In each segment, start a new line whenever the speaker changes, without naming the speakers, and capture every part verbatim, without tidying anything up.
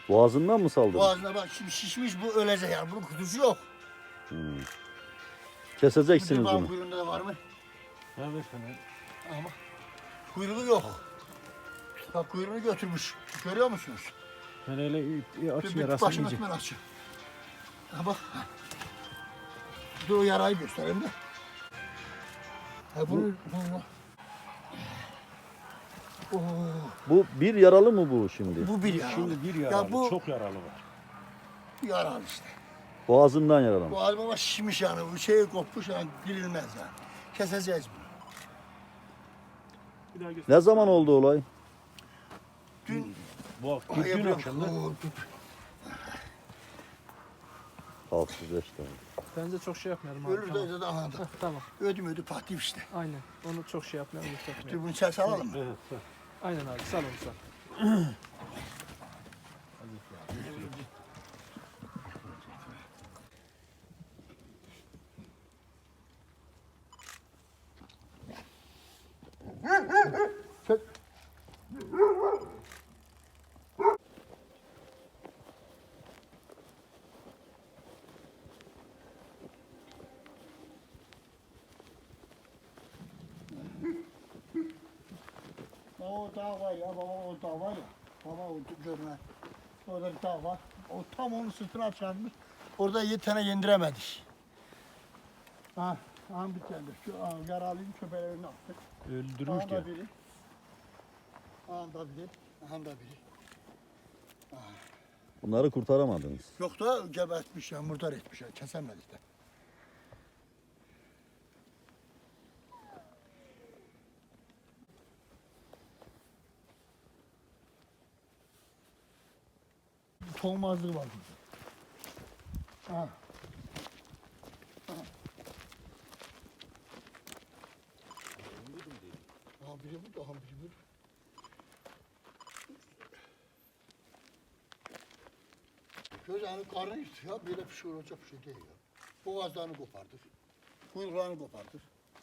Boğazından mı saldırdı?
Boğazına bak şimdi şişmiş bu ölecek yani. Bunun kutusu yok.
Hmm. Keseceksiniz
Bir
bunu.
kuyruğunda da var mı?
Evet efendim.
Ama kuyruğu yok. Bak kuyruğunu götürmüş. Görüyor musunuz?
Ben öyle aç
Bir, bir
yarasını
başını
iyice.
ben açayım. Ha bak. Dur o yarayı göstereyim de. Ha bunu... bunu Oo,
Bu bir yaralı mı bu şimdi?
bu bir yaralı.
Şimdi bir
Ya
yaralı,
bu
çok yaralı var.
yaralı işte.
Boğazından yaralanmış.
Bu albama şişmiş yani. Bu şey kopmuş yani girilmez yani. Keseceğiz bunu.
Bir daha göster.
Ne zaman oldu olay?
Dün...
Bu
Ay,
dün
yapıyorum.
akşamda.
Oo, dur.
altı yüz beş tane.
Bence çok şey yapmayalım abi.
Ölür
Tamam.
de de anında.
Heh, tamam.
Ödüm ödü patlayıp işte.
Aynen. Onu çok şey yapmayalım.
Dur
Yükseltmeyelim.
bunu içeri salalım mı?
Evet, evet.
Aynen abi. Sal onu sal.
Çök. O dağ var ya, baba o dağ var ya. Baba o görme. Orada bir dağ var. O tam onun sırtına çarpmış. Orada yedi tane yendiremedik. Ha, ha bir tane. Şu ha, yaralıyım köpeklerini attık.
Öldürmüş
Aha
diyor.
da biri. Aha da biri. Aha da biri.
Bunları kurtaramadınız.
Yok da gebertmiş ya, murdar etmiş ya. Kesemedik de. Tohumazlığı var burada. Ha. Ha. Ha biri burada, ha biri burada. Göz yani karnı yırtı ya, böyle bir şey olacak bir şey değil ya. Boğazlarını kopardır, kuyruklarını kopardır.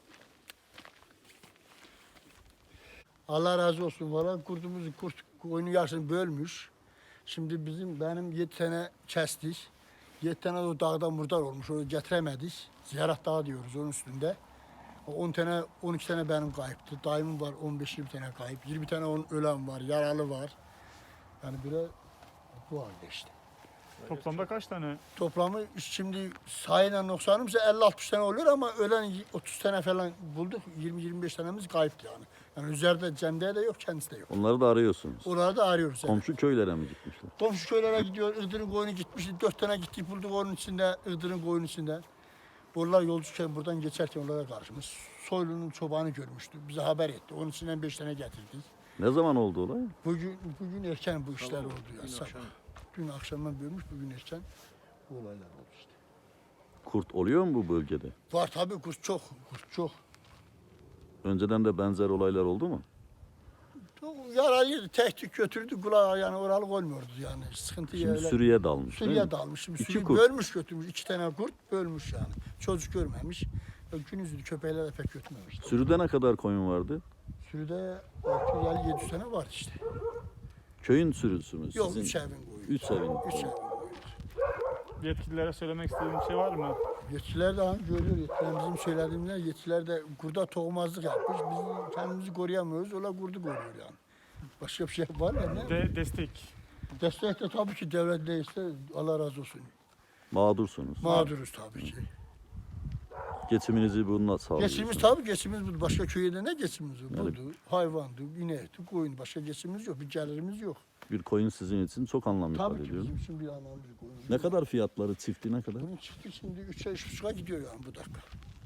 Allah razı olsun valla kurdumuzu kurt koyunu yarısını bölmüş. Şimdi bizim benim yedi tane kestik. Yedi tane de o dağda murdar olmuş. Onu getiremedik. Ziyaret dağı diyoruz onun üstünde. on tane, on iki tane benim kayıptı. Dayımın var on beş yirmi tane kayıp. yirmi tane onun ölen var, yaralı var. Yani böyle bu halde işte.
Toplamda kaç tane?
Toplamı şimdi sayıyla noksanımsa elli altmış tane oluyor ama ölen otuz tane falan bulduk. yirmi yirmi beş tanemiz kayıptı yani. Yani üzerinde Cem'de de yok, kendisi de yok.
Onları da arıyorsunuz.
Oraları da arıyoruz. Yani.
Komşu köylere mi gitmişler?
Komşu köylere gidiyor, Iğdır'ın koyunu gitmişti. Dört tane gittik bulduk onun içinde, Iğdır'ın koyunun içinde. Onlar yolcuyken buradan geçerken onlara karşımış. Soylu'nun çobanı görmüştü, bize haber etti. Onun içinden beş tane getirdik.
Ne zaman oldu olay?
Bugün bugün erken bu işler
Tamam,
oldu ya.
dün
Sabah.
akşam.
Dün akşamdan bölmüş, bugün erken bu olaylar oldu işte.
Kurt oluyor mu bu bölgede?
Var tabii kurt çok, kurt çok.
Önceden de benzer olaylar oldu mu?
Çok yaralıydı, tehdit götürdü, kulağı yani oralık olmuyordu yani. Sıkıntı
Şimdi
yerler.
sürüye dalmış değil
Sürüye
mi?
dalmış. Şimdi
İki
sürüyü
kurt.
bölmüş götürmüş. İki tane kurt bölmüş yani. Çocuk görmemiş. Gün yüzlü köpekler de pek götürmemiş.
Sürüde ne kadar koyun vardı?
Sürüde altı yüz elli yedi yüz tane var işte.
Köyün sürüsü mü?
Yok
Sizin?
üç evin koyuyor.
Üç evin.
Üç evin koyuyor.
Yetkililere söylemek istediğim bir şey var mı?
Yetkiler de hani görüyor. Yetkiler bizim söylediğimizde yetkiler de kurda tohumazlık yapmış. Biz kendimizi koruyamıyoruz. Ola kurdu koruyor yani. Başka bir şey var ya ne?
De destek.
Destek de tabii ki devlet değilse Allah razı olsun.
Mağdursunuz.
Mağduruz tabii ki.
Geçiminizi bununla sağlıyorsunuz.
Geçimimiz tabii geçimimiz bu. Başka köyde ne geçimimiz var?
Yani-
Budu, hayvandı, inekti, koyun. Başka geçimimiz yok. Bir gelirimiz yok.
Bir koyun sizin için çok anlam ifade
Tabii ki
ediyor.
bizim için bir anlamımız yok. Koyun.
Ne kadar fiyatları çifti ne kadar?
Bunun çıktı şimdi üçe üç buçuğa gidiyor yani bu dakika.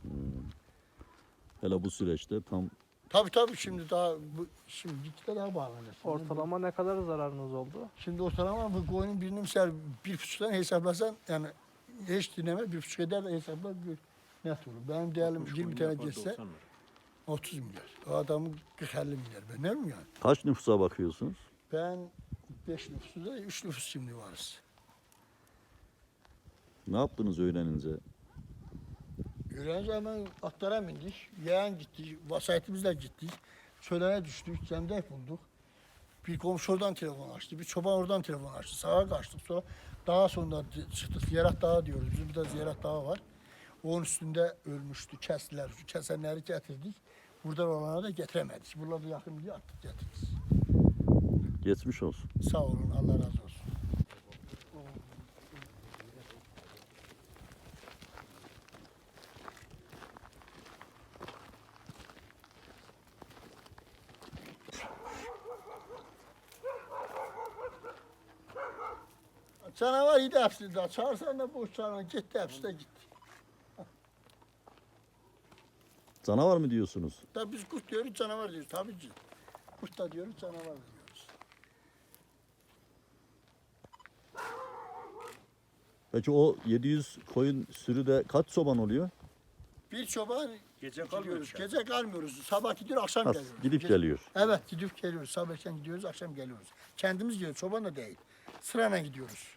Hele bu süreçte tam
Tabii tabii şimdi daha bu şimdi gittikçe daha bağlanacak. Şimdi
Ortalama ne kadar zararınız oldu?
bu- Şimdi ortalama bu koyunun birini mesela bir buçuktan hesaplasan yani hiç dinleme bir buçuk eder de hesapla gör. Net olur. Benim değerlim yirmi tane geçse otuz milyar. O adamın kırk elli milyar. Ben ne bileyim yani.
kaç nüfusa bakıyorsunuz?
Ben beş nüfusu da üç nüfus şimdi varız.
Ne yaptınız öğrenince?
Öğrenci hemen atlara bindik. Yeğen gittik. Vasayetimizle gittik. Çölene düştük. Cemdek bulduk. Bir komşu oradan telefon açtı, bir çoban oradan telefon açtı. Sağa kaçtık, sonra daha sonra çıktık. Ziyaret Dağı diyoruz. Bizim burada Ziyaret Dağı var. Onun üstünde ölmüştü, kestiler. Şu kesenleri getirdik. Buradan olanları da getiremedik. Buralarda yakın diye attık getirdik.
Geçmiş olsun.
Sağ olun, Allah razı olsun. Canavar idi hepsi de. Çağırsan da boş canavar gitti, hepsi de gitti.
Canavar mı diyorsunuz?
Tabii biz kurt diyoruz, canavar diyoruz tabii ki. Kurt da diyoruz, canavar da diyoruz.
Peki o yedi yüz koyun sürüde kaç çoban oluyor?
Bir çoban
Gece
gidiyoruz,
kalmıyoruz.
gece kalmıyoruz. Sabah gidiyor, akşam
Ha,
geliyoruz.
gidip
Gece-
geliyor.
Evet, gidip geliyoruz. Sabahken gidiyoruz, akşam geliyoruz. Kendimiz gidiyoruz, çoban da değil. Sırayla gidiyoruz.